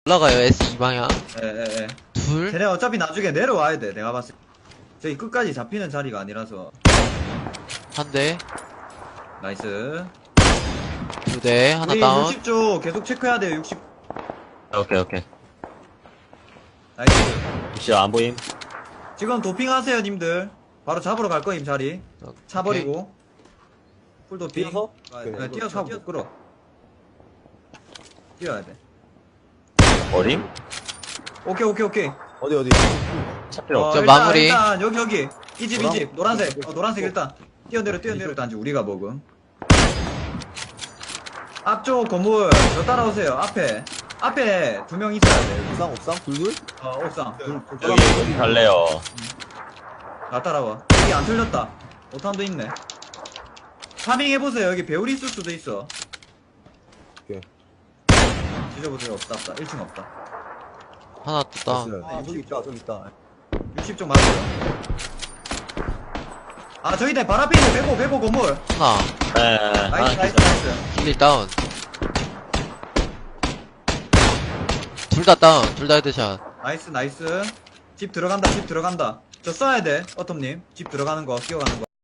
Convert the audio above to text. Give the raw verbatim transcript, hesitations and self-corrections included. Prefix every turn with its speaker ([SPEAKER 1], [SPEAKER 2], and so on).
[SPEAKER 1] 올라가요, 에스 이 방향.
[SPEAKER 2] 에에에.
[SPEAKER 1] 둘.
[SPEAKER 2] 쟤네 어차피 나중에 내려와야 돼. 내가 봤을 때. 저기 끝까지 잡히는 자리가 아니라서.
[SPEAKER 1] 한 대.
[SPEAKER 2] 나이스.
[SPEAKER 1] 두 대. 하나
[SPEAKER 2] 우리
[SPEAKER 1] 다운.
[SPEAKER 2] 육십 쪽 계속 체크해야 돼요. 육십.
[SPEAKER 3] 오케이, 오케이.
[SPEAKER 2] 나이스.
[SPEAKER 3] 혹시 안 보임?
[SPEAKER 2] 지금 도핑하세요, 님들. 바로 잡으러 갈 거임, 자리. 차
[SPEAKER 1] 오케이.
[SPEAKER 2] 버리고. 풀 도핑.
[SPEAKER 4] 뛰어서?
[SPEAKER 2] 네, 뛰어서 하고 끌어. 뛰어야 돼.
[SPEAKER 3] 어림?
[SPEAKER 2] 오케이, 오케이, 오케이.
[SPEAKER 4] 어디 어디?
[SPEAKER 3] 차 필요
[SPEAKER 2] 어,
[SPEAKER 3] 없죠?
[SPEAKER 1] 저
[SPEAKER 2] 일단,
[SPEAKER 1] 마무리.
[SPEAKER 2] 일단, 여기, 여기. 이 집, 이
[SPEAKER 4] 노란-
[SPEAKER 2] 집. 노란색.
[SPEAKER 4] 노란색.
[SPEAKER 2] 어, 노란색 일단. 뛰어내려, 뛰어내려. 일단 우리가 먹음. 앞쪽 건물. 저 따라오세요. 앞에. 앞에 두 명 있어야 돼.
[SPEAKER 4] 옥상 옥상 둘둘?
[SPEAKER 2] 어, 옥상. 둘, 둘
[SPEAKER 3] 여기, 여기 갈래요.
[SPEAKER 2] 나 따라와. 여기 안 틀렸다. 오탄도 있네. 파밍 해보세요. 여기 배율 있을 수도 있어.
[SPEAKER 4] 오케이.
[SPEAKER 2] 뒤져보세요. 없다, 없다. 일 층 없다.
[SPEAKER 1] 하나 또 다운.
[SPEAKER 4] 됐어요. 아 저기 있다 저기 있다.
[SPEAKER 2] 육십 쪽 맞아요. 아, 저기 내 발 앞에 있는 배고, 배고 건물.
[SPEAKER 1] 하나.
[SPEAKER 3] 네,
[SPEAKER 2] 나이스,
[SPEAKER 3] 하나
[SPEAKER 2] 나이스,
[SPEAKER 3] 있어.
[SPEAKER 2] 나이스.
[SPEAKER 1] 킬리 다운. 둘 다 다운. 둘 다 헤드샷.
[SPEAKER 2] 나이스, 나이스. 집 들어간다, 집 들어간다. 저 써야 돼, 어텀님. 집 들어가는 거, 뛰어가는 거.